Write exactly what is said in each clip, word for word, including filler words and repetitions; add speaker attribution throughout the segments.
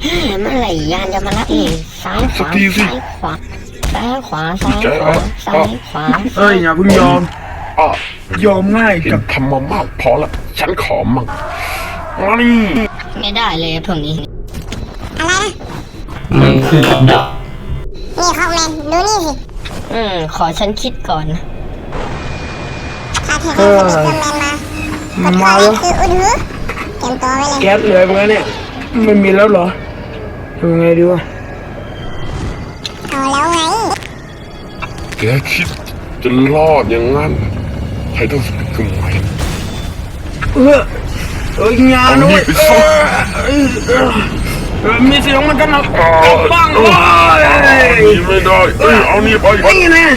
Speaker 1: เมื่อไหร่ยานจะมารับอีกซ้ายขวาซ้ายขวาซ้ายขวาซ้ายขวาซ้ายขวา
Speaker 2: เอ้ยอย่าเพิ่งยอม
Speaker 3: อ่ะ
Speaker 2: ยอมง่าย
Speaker 3: กับทำมามากพอละฉันขอมั่งมานี่
Speaker 1: ไม่ได้เลยพวกนี้
Speaker 4: อะไรนะ
Speaker 5: มันคือกับดัก
Speaker 4: นี่คอมเมนต์ดูนี่สิ
Speaker 1: อืมขอฉันคิดก่อนนะ
Speaker 4: ถ้าเธอเป็นซูเปอร์แมนมามาแล้วคืออุดหูเตรียมตัวไว้เลย
Speaker 2: แก๊สเลยเมื่อเนี่ยไม่มีแล้วเหรอทำไงดีวะ
Speaker 4: เอาแล้วไง
Speaker 3: แกคิดจะรอดอย่างนั้นใครต้องฝึกขึ้นไหม
Speaker 2: เออเอองานด้วยมีเสียงมันกันนะบ้างเลย
Speaker 3: ไม่ได้เอ้ยเอานี่ไป
Speaker 2: นี่นะ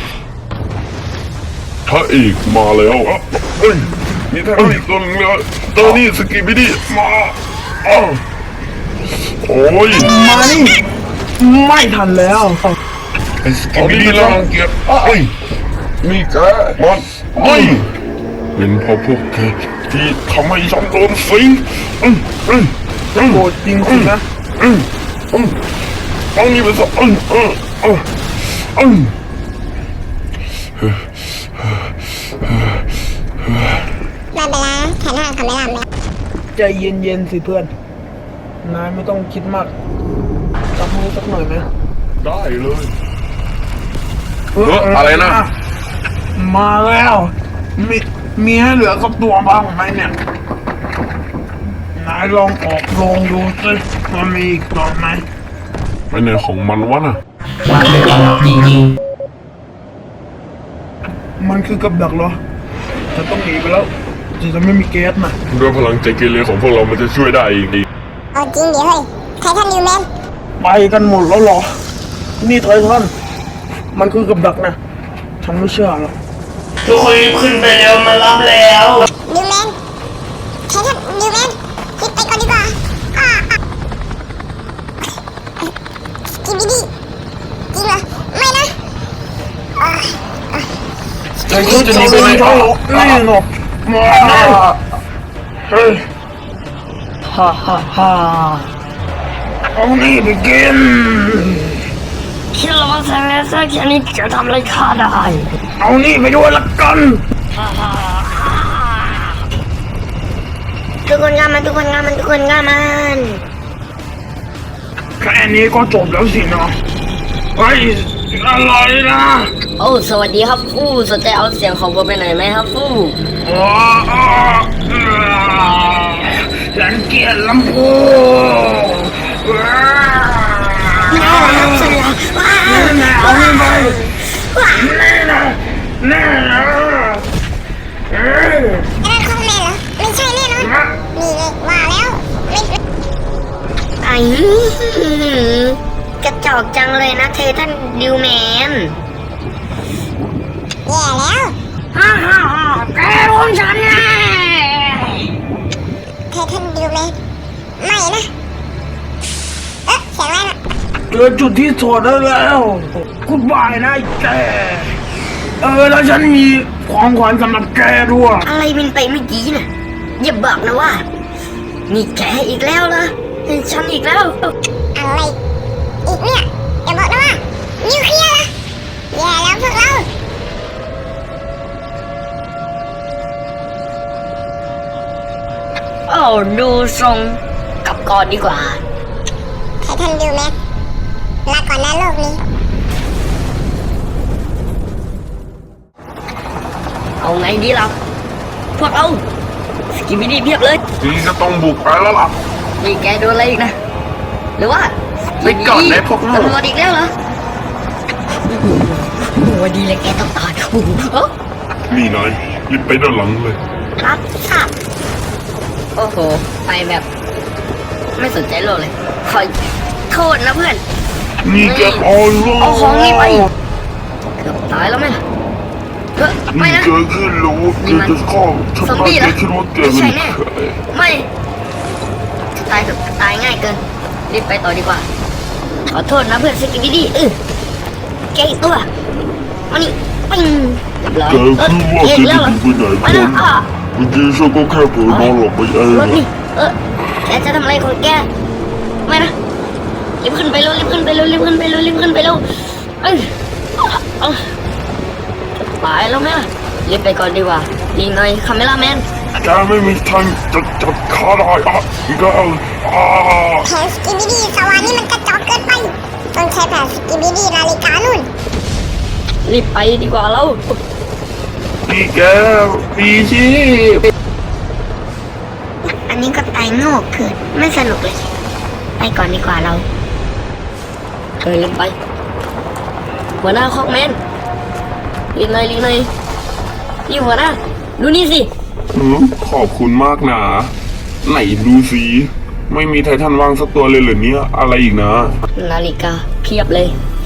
Speaker 3: ถ้าอีกมาแล้วเอ้ยมีท่าอีกตัวนึงแล้วตัวนี้สกิบิดี้มาอ้าวโอ้ย
Speaker 2: มานี่ไม่ทันแล้ว
Speaker 3: ไอ้สกิบิดี้รังเกียจเอ้ยนี่แกมันเอ้ยเป็นเพราะพวกแกที่ทำให้ฉันโดนสิงอืมอืม
Speaker 2: โกรธจริงสินะ
Speaker 3: อืมอืมเอานี่ไปซะอืมอืมอืมอืม
Speaker 4: ไม่เป็นไรแขนหักทำไม่ลำเลย
Speaker 2: ใจเย็นๆสิเพื่อนนายไม่ต้องคิดมากจับมือสักหน่อยไหม
Speaker 3: ได้เลยเอออะไรนะ
Speaker 2: มาแล้วมีมีให้เหลือกับตัวบ้างไหมเนี่ยนายลองออกลองดูสิมันมีอีกตัวไหม
Speaker 3: ไปไหนของมันวะน่ะ
Speaker 5: มันเป็นกับดักจริง
Speaker 2: ๆมันคือกับดักเหรอจะต้องหนีไปแล้วจะไม่มีแก๊สนะ
Speaker 3: ด้วยพลังใจเกเรของพวกเรามันจะช่วยได้อีกดี
Speaker 4: เอาจริงเดี๋ยวเฮ้ยไททันนิวแมน
Speaker 2: ไปกันหมดแล้วเหรอนี่ไททันมันคือกับดักนะฉันไม่เชื่อหรอก
Speaker 5: ทุกคนขึ้นไปแล้วมารับแล้ว
Speaker 4: นิวแมนไททันนิวแมนรีบไปก่อนดีกว่าอ่าสกิบิดี้จริงเหรอไม่นะ
Speaker 2: ไอ้คุณจะหนีไปไหนเขานี่หนกมาเฮ้ยฮ่าฮ่าฮ่าเอานี่ไปกิน
Speaker 1: คิดว่าแซงแซงแค่นี้จะทำอะไรข้าได้
Speaker 2: เอานี่ไปด้วยละกัน
Speaker 1: ทุกคนงานมันทุกคนงานมันทุกคนงานมัน
Speaker 2: แค่นี้ก็จบแล้วสินะเฮ้ยอะไรนะ
Speaker 1: โอ้สวัสดีครับฟู่สนใจเอาเสียงของผมไปไหนไหมครับฟู่
Speaker 2: ฉันเกลียดลำโพง
Speaker 1: น่ารักสุดละ
Speaker 2: แน่เอาไปแน่นะแน่นะ
Speaker 4: เอ้ยนั่นคอมเมนต์เหรอไม่ใช่แน่นอนนี่เลยว่าแล้วไม่
Speaker 1: ไอ้กระจอกจังเลยนะเทท่านดิวแมน
Speaker 4: แย่แล้ว
Speaker 1: ฮ่าฮ่าฮ่าแกของฉันไง
Speaker 4: เททันดิวแมนไม่นะเอ๊ะเสียงอะไรนะ
Speaker 2: เจอจุดที่ถอดได้แล้วกูบายนะแกเออแล้วฉันมีของขวัญสำหรับแกด้วย
Speaker 1: อะไรมันไปเมื่อกี้น่ะอย่าบอกนะว่านี่แกอีกแล้วเหรอฉันอีกแล้ว
Speaker 4: อะไรอีกเนี่ยอย่าบอกนะว่านิวเคลียร์นะแย่แล้วพวกเรา
Speaker 1: โอ้ดูทรงกลับก่อนดีกว่า
Speaker 4: ไททันดิวแมนลาก่อนนะโลกนี้
Speaker 1: เอาไงดีล่ะพวกเราสกิบิดี้เพียบเลย
Speaker 3: นี่ก็ต้องบุกไปแล้วล่ะ
Speaker 1: นี่แกโดนอะไรอีกนะหรือว่า
Speaker 3: ไปก่อนเลยพวกเรา
Speaker 1: ตำรวจอีกแล้วเหรอวันดีเลยแกต้องตาย
Speaker 3: นี่นายรีบไปด้านหลังเลย
Speaker 1: รับทราบโอ้โหไปแบบไม่สนใจโลกเลยขอโทษนะเพื่อน
Speaker 3: นี่แกเอา
Speaker 1: เอาของนี่ไปเกือบตายแล้วไหมล่ะเออไม่นะ
Speaker 3: เกิดขึ้นรู้นี่มัน
Speaker 1: ซอมบี้เหรอ
Speaker 3: ไม่
Speaker 1: ใช่แน่ไม่ตายเถอะตายง่ายเกินรีบไปต่อดีกว่าขอโทษนะเพื่อนสกิบิดี้เออแกอีกตัวมานี่ปิ้งเรียบร้อย
Speaker 3: แกคือว่าแกจะไปไหนกันเมื่อกี้ฉันก็แค่เผลอนอนหลับไปเอง
Speaker 1: รถนี่เออแกจะทำอะไรของแกไม่นะรีบขึ้นไปเร็วรีบขึ้นไปเร็วรีบขึ้นไปเร็วรีบขึ้นไปเร็วเอ้ยเอ้ยจะตายแล้วไหมล่ะรีบไปก่อนดีกว่าดีหน่อยคาเมล่าแมน
Speaker 3: แกไม่มีทางจะจับข้าได้อ่ะอีกแล้วอ่า
Speaker 4: แผนสกิบิดี้สวรรค์นี่มันกระจอกเกินไปต้องใช้แผนสกิบิดี้นาฬิกานุ่น
Speaker 1: รีบไปดีกว่าเรา
Speaker 3: นี่แกปีชี
Speaker 4: อันนี้ก็ตายโง่เกินไม่สนุกเลยไปก่อนดีกว่าเรา
Speaker 1: เออรีบไปหัวหน้าคอกแมนรีบหน่อยรีบหน่อยนี่หัวหน้าดูนี่สิ
Speaker 3: อืมขอบคุณมากนะไหนดูสิไม่มีไททันวางสักตัวเลยเหรอเนี่ยอะไรอีกนะ
Speaker 1: นาฬิกาเพียบเลย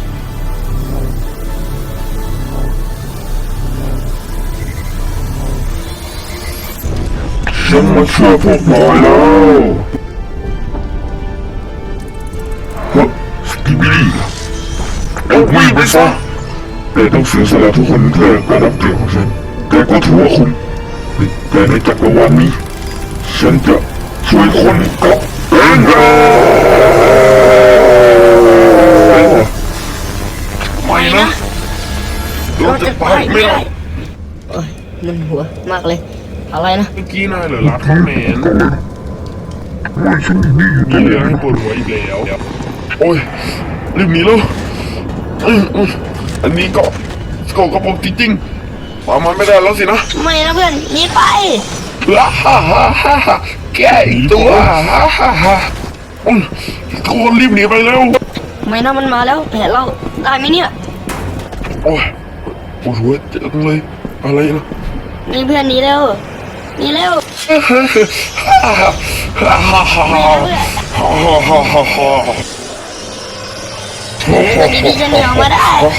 Speaker 3: ฉันมาช่วยพวกนายแล้วฮะสกิบิลี่เอาวิ่งไปซะแกต้องเสียสละทุกคนเพื่อการรับเกียรติของฉันแกก็ถือว่าคุณแต่ในจักรวาลนี้ฉันจะช่วยคนกับเองไม่นะเราจะไปไม่ได้
Speaker 1: เอ้ยมันหัวมากเลย อะไรนะ
Speaker 3: เมื่อกี้นายเหรอลัดคอมเมนต์มีเรื่องให้ปวดหัวอีกแล้ว โอ้ยรีบหนีแล้วอืมอืมอันนี้ก็ก็กระบอกจริงๆปามันไม่ได้แล้วสินะ
Speaker 1: ไม่นะเพื่อนหนีไป
Speaker 3: ฮ่าฮ่าฮ่าฮ่าฮ่าแกอีกตัวฮ่าฮ่าฮ่าฮ่าอืมทุกคนรีบหนีไปเร็ว
Speaker 1: ไม่นะมันมาแล้วแผนเราได้ไหมเนี่ย
Speaker 3: โอ้ยปวดหัวจังเลยอะไรนะ
Speaker 1: นี่เพื่อนหนีเร็วหนีเร็ว
Speaker 3: ฮ่าฮ่าฮ่าฮ่าฮ่าฮ่า
Speaker 1: ไม่นะเพื่อน
Speaker 3: ฮ่าฮ่าฮ่าฮ่า
Speaker 1: เพื่อนดีๆจะหนีออกมาได้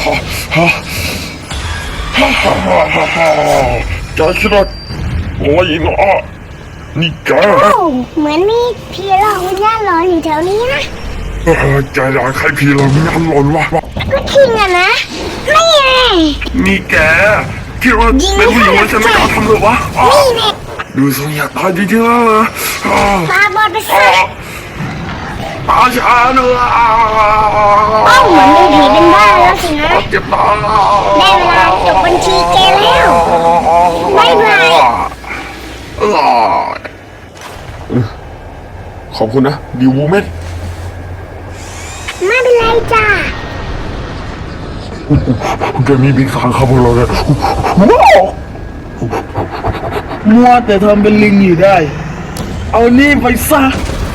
Speaker 3: แกคิดว่าอะไรนะนี่แก
Speaker 4: โอ้เหมือนมีพี่หลอกวิญญาณหลอนอยู่แถวนี้นะ
Speaker 3: แกอยากให้พี่เราไม่ยันหล่นวะ
Speaker 4: ก็จริงอะนะไม่ไง
Speaker 3: นี่แกคิดว่าเป็นผู้หญิงแล้วฉันไม่กล้าทำหรอวะ
Speaker 4: นี่แน่
Speaker 3: ดูทรงอยากตายจริงๆแล้วนะ
Speaker 4: ตาบอดไปซะ
Speaker 3: ตาชาเนื้อ
Speaker 4: เอ้าเหมือนเป็นผีเป็นบ้าแล้วสินะ
Speaker 3: เจ็บตา
Speaker 4: ได้เวลาจบบัญชีแกแล้วบ๊ายบาย
Speaker 3: ขอบคุณนะดิววูเมน
Speaker 4: ไม่เป็นไรจ้า
Speaker 3: แกมีบิ๊กสารครับพวกเราเลย
Speaker 2: มัวแต่ทำเป็นลิงอยู่ได้ เอานี่ไปซะ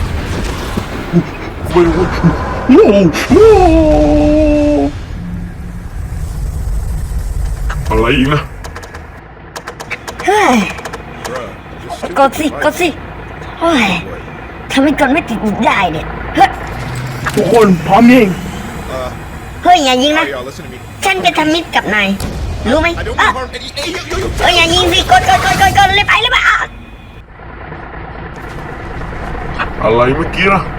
Speaker 3: อะไรอีกนะ
Speaker 1: เฮ้ยกดสิกดสิโอ้ยทำไมกดไม่ติดได้เนี่ยเฮ้ย
Speaker 2: ทุกคนพร้อมยิง
Speaker 1: เฮ้ยอย่ายิงนะฉันจะทำมิตรกับนายรู้ไหมอ่ะเฮ้ยอย่ายิงสิกดกดกดกดกดเลยไปเลยไปอ่ะ
Speaker 3: อะไรเมื่อกี้นะ